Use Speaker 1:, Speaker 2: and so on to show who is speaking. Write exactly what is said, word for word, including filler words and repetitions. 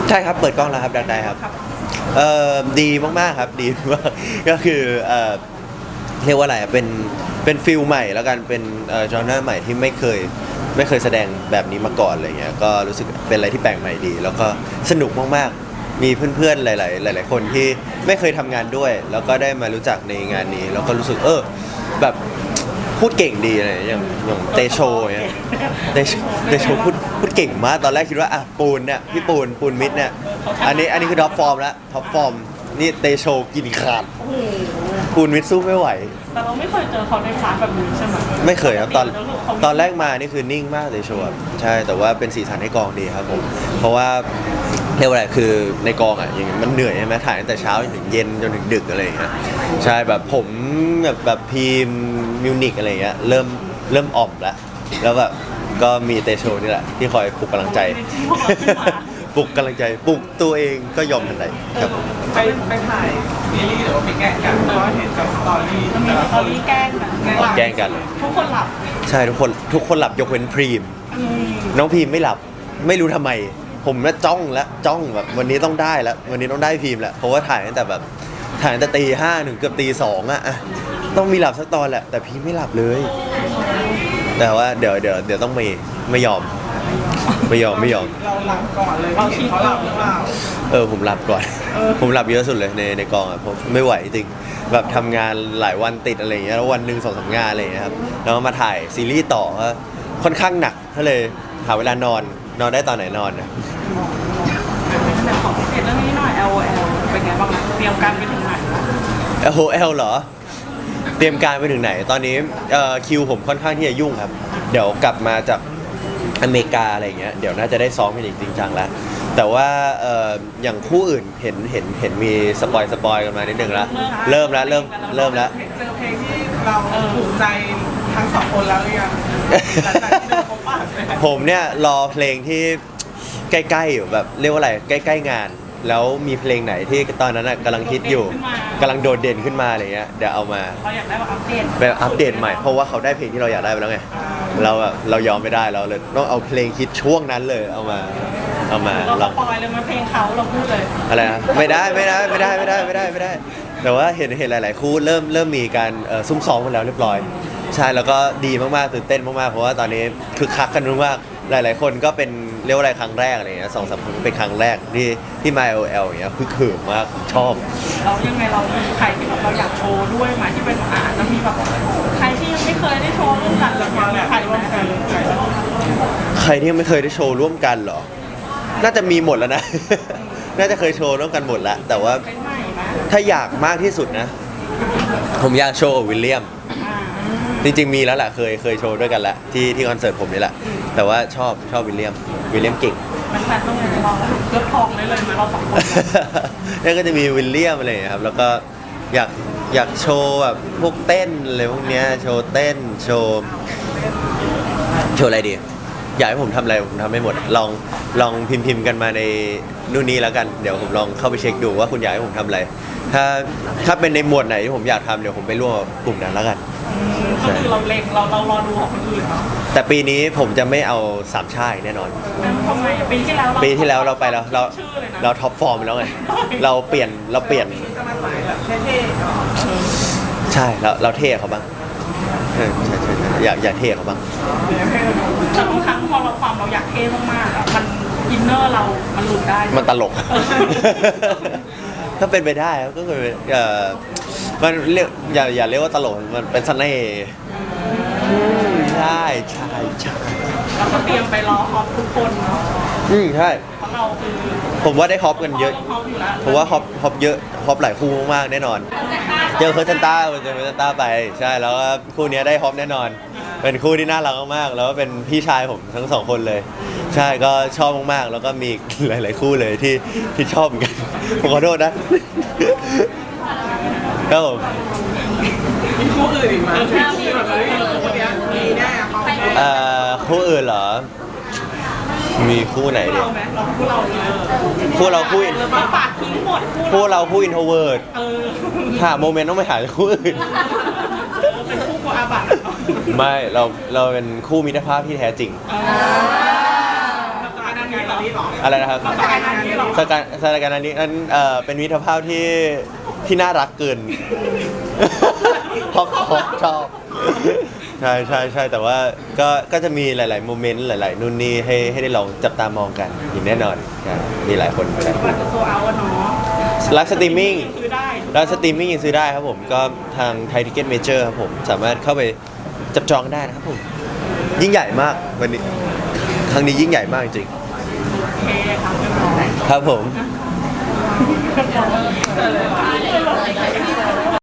Speaker 1: ใช่ครับเปิดกล้องแล้วครับดักได้ครับเอ่อดีมากๆครับดีมากก็คือเอ่อเรียกว่าอะไรเป็นเป็นฟิลใหม่แล้วกันเป็นเอ่อจอหน้าใหม่ที่ไม่เคยไม่เคยแสดงแบบนี้มาก่อนอะไรเงี้ยก็รู้สึกเป็นอะไรที่แปลกใหม่ดี แล้วก็สนุกมากๆมีเพื่อนๆหลายๆหลายๆคนที่ไม่เคยทำงานด้วย แล้วก็ได้มารู้จักในงานนี้แล้วก็รู้สึกเออแบบพูดเก่งดีอะไรอย่างอย่างเตโชเนี่ยเตโชเตโชพูดพูดเก่งมากตอนแรกคิดว่าอ่ะปูนเนี่ยพี่ปูนปูนมิดเนี่ยอันนี้อันนี้คือท็อปฟอร์มแล้วท็อปฟอร์มนี่เตโชกินขาดปูนมิดสู้ไม่ไหว
Speaker 2: แต่เราไม่เคยเจอเขาในพาร์ทแบบนี้ใช่ไหม
Speaker 1: ไม่เคยครับตอนตอนแรกมานี่คือนิ่งมากเตโชใช่แต่ว่าเป็นสีสันให้กองดีครับผมเพราะว่าเรียกว่าอะไรคือในกองอ่ะอย่างมันเหนื่อยใช่ไหมถ่ายตั้งแต่เช้าจนถึงเย็นจนถึงดึกอะไรอย่างเงี้ยใช่แบบผมแบบแบบพีมมิวนิกอะไรอย่างเงี้ยเริ่มเริ่มอ่อมแล้วแล้วแบบก็มีเตโชนี่แหละที่คอยปลุกกำลังใจปลุกกำลังใจปลุกตัวเองก็ยอมทันใดครับ
Speaker 3: ไปไปถ่ายซีรีส์หรือว่าไปแกล้งกันเพราะว่าเห็นจากสตอรี่
Speaker 2: มีสตอรี่แกล้งกัน
Speaker 1: แกล้งกัน
Speaker 2: ทุกคนหลับ
Speaker 1: ใช่ทุกคนทุกคนหลับยกเว้นพรีมน้องพรีมไม่หลับไม่รู้ทำไมผมน่ะจ้องแล้วจ้องแบบวันนี้ต้องได้แล้ววันนี้ต้องได้พรีมแล้วเพราะว่าถ่ายตั้งแต่แบบถ่ายตั้งแต่ตีห้าถึงเกือบตีสองอะต้องมีหลับสักตอนแหละแต่พรีมไม่หลับเลยแต่ว่าเดี๋ยวเดี๋ยวเดี๋ยวต้องไม่ไม่ยอมไม่ยอมไม่ยอม
Speaker 3: เราหลับก่อนเลยเราคิดเขาหลับหรือเปล่า
Speaker 1: เออผมหลับก่อนผมหลับเยอะสุดเลยในในกองอ่ะผมไม่ไหวจริงแบบทำงานหลายวันติดอะไรอย่างเงี้ยแล้ววันหนึ่งสองสามงานอะไรอย่างเงี้ยครับแล้วมาถ่ายซีรีส์ต่อก็ค่อนข้างหนักก็เลยหาเวลานอนนอนได้ตอนไหนนอนนะ
Speaker 2: แต่ขอพิเศษเรื่องนี้หน่อย แอล โอ แอล เป็นไงบ้างนะเตรียมการไปถึงไหน
Speaker 1: แอล โอ แอล เหรอเตรียมการไปถึงไหนตอนนี้เอ่อคิวผมค่อนข้างที่จะยุ่งครับเดี๋ยวกลับมาจากอเมริกาอะไรอย่างเงี้ยเดี๋ยวน่าจะได้ซ้อมกันจริงจังแล้วแต่ว่าเอ่ออย่างคู่อื่นเห็นเห็นเห็นมีสปอยสปอยกันมานิดนึงแล้วเริ่มแล้วเริ่มเริ่มแล้ว
Speaker 3: เจอเพลงที่เราถูกใจทั้งสองคนแล้วหรือยัง
Speaker 1: ผมเนี่ยรอเพลงที่ใกล้ๆอยู่แบบเรียกว่าอะไรใกล้ๆงานแล้วมีเพลงไหนที่ตอนนั้นน่ะกำลังฮิตอยู่กำลังโดดเด่นขึ้นมาอะไรเงี้ยเดี๋ยวเอามา
Speaker 2: เราอยากได้แบบอัปเดต
Speaker 1: แบบอัปเดตใหม่เพราะว่าเขาได้เพลงที่เราอยากได้ไปแล้วไงเราแบบเรายอมไม่ได้เราเลยต้องเอาเพลงฮิตช่วงนั้นเลยเอามาเอามา
Speaker 2: เราสปอยเลยมาเพลงเขาเราพูดเลย
Speaker 1: อะไรนะไม่ได้ไม่ได้ไม่ได้ไม่ได้ไม่ได้ไม่ได้แต่ว่าเห็นเห็นหลายๆคู่เริ่มเริ่มมีการซุ่มซ้อมกันแล้วเรียบร้อยใช่แล้วก็ดีมากๆตื่นเต้นมากๆเพราะว่าตอนนี้คือคักกันมากหลายๆคนก็เป็นเรียกว่าอะไรครั้งแรกอะไรเงี้ยสองสามคนเป็นครั้งแรกที่ที่มา แอล โอ แอล อย่างเงี้ยคือเขินมากชอบ
Speaker 2: เรายังไงเรามีใครที่แบบเราอยากโชว์ด้วยไหมที่เป็นอ่านแล้วมีแบบใครที่ยังไม่เคยได้โชว์ร่วมกันหรือว่าใครร่วมกัน
Speaker 1: ใครที่ยังไม่เคยได้โชว์ร่วมกันเหรอน่าจะมีหมดแล้วนะน่าจะเคยโชว์ร่วมกันหมดแล้วแต่ว่าถ้าอยากมากที่สุดนะผมอยากโชว์กับวิลเลียมจริงๆมีแล้วแหละเคยเคยโชว์ด้วยกันแล้วที่ที่คอนเสิร์ตผมนี่แหละแต่ว่าชอบชอบวิลเลียมวิลเลียมเก่ง
Speaker 2: มันแบบต้องเลยเราเลือกทองได้เลยไหมเราสองคน
Speaker 1: นั่นก็จะมีวิลเลียมอะไรครับแล้วก็อยากอยากโชว์แบบพวกเต้นอะไรพวกเนี้ยโชว์เต้นโชว์โชว์อะไรดีอยากให้ผมทำอะไรผมทำให้หมดลองลองพิมพ์พิมพ์กันมาในนู่นนี่แล้วกันเดี๋ยวผมลองเข้าไปเช็คดูว่าคุณอยากให้ผมทำอะไรถ้าถ้าเป็นในหมวดไหนที่ผมอยากทำเดี๋ยวผมไปร่วมกลุ่มนั้นแล้วกัน
Speaker 2: ก็คือเราเล็งเราเรารอดูของคนอื่นเนาะ
Speaker 1: แต่ปีนี้ผมจะไม่เอาสามชาติแน่นอน
Speaker 2: ทำไมปีที่แล้ว
Speaker 1: ปีที่แล้วเราไปแล้วเราเราท็อปฟอร์มแล้วไงเราเปลี่ยนเราเปลี่ยนใช่เราเราเท่เขาบ้างใช่ใช่ใช่อยากอยากเท่เขาบ้าง
Speaker 2: แต่บางครั้งพอเราความเราอยากเท่มากๆอ่ะมันอินเนอร์เรามันหลุดได้
Speaker 1: มันตลกถ้าเป็นไปได้ก็คือเอ่อมันเรียกอย่าอย่าเรียกว่าตลกมันเป็นเสน่ห์ใช่ใช่ใช่
Speaker 2: เราก็เตรียมไปรอฮอปทุกคนเนาะ
Speaker 1: อืมใช่
Speaker 2: เพราะเราคือ
Speaker 1: ผมว่าได้ฮอปกันเยอะเพราะว่าฮอปฮอปเยอะฮอปหลายคู่มากๆแน่นอนเจอเคิร์ตันต้าเจอเคิร์ตันต้าไปใช่แล้วคู่นี้ได้ฮอปแน่นอนเป็นคู่ที่น่ารักมากๆแล้วก็เป็นพี่ชายผมทั้งสองคนเลยใช่ก็ชอบมากๆแล้วก็มีหลายๆคู่เลยที่ที่ชอบเหมือนกันผมขอโทษนะครับผม
Speaker 3: มีคู่อื่นอีกไหมที่แบบเฮ้ยคนนี้มีแน่เขา
Speaker 1: เอ่อคู่อื่นเหรอมีคู่ไหนดิ
Speaker 2: คู่เรา
Speaker 1: คู่เราคู่อิน
Speaker 2: เราปาดทิ้งหมด
Speaker 1: คู่เราคู่อินโทรเวิร์ดหาโมเมนต์ต้องไปหาคู่อื่น
Speaker 2: เป็นคู่กูอาบัต
Speaker 1: ไม่เราเราเป็นคู่มิตรภาพที่แท้จริง
Speaker 3: อันนี้เหรอ
Speaker 1: อะไรนะครับ
Speaker 2: สกายงานนี้เหรอ
Speaker 1: สการสการอันนี้นั้นเอ่อเป็นมิตรภาพที่ที่น่ารักเกิน ฮอกฮอกชอบใช่ใช่ใช่แต่ว่าก็ก็จะมีหลาย ๆ โมเมนต์หลาย ๆ นู่นนี่ให้ให้ได้ลองจับตามองกันอย่างแน่นอนใช่มีหลายคนหลายค
Speaker 2: บั
Speaker 1: น
Speaker 2: ตรจะโซเอาอะเนาะ
Speaker 1: รักสตรีมมิ่ง
Speaker 2: ซื้อได้
Speaker 1: แล้วสตรีมมิ่งยังซื้อได้ครับผมก็ทางไทยทิเก็ตเมเจอร์ครับผมสามารถเข้าไปจับจองได้นะครับผม ยิ่งใหญ่มากวันนี้ครั้งนี้ยิ่งใหญ่มากจริง
Speaker 2: โอเคครับเรียบร้อย
Speaker 1: ครับผม
Speaker 2: เออ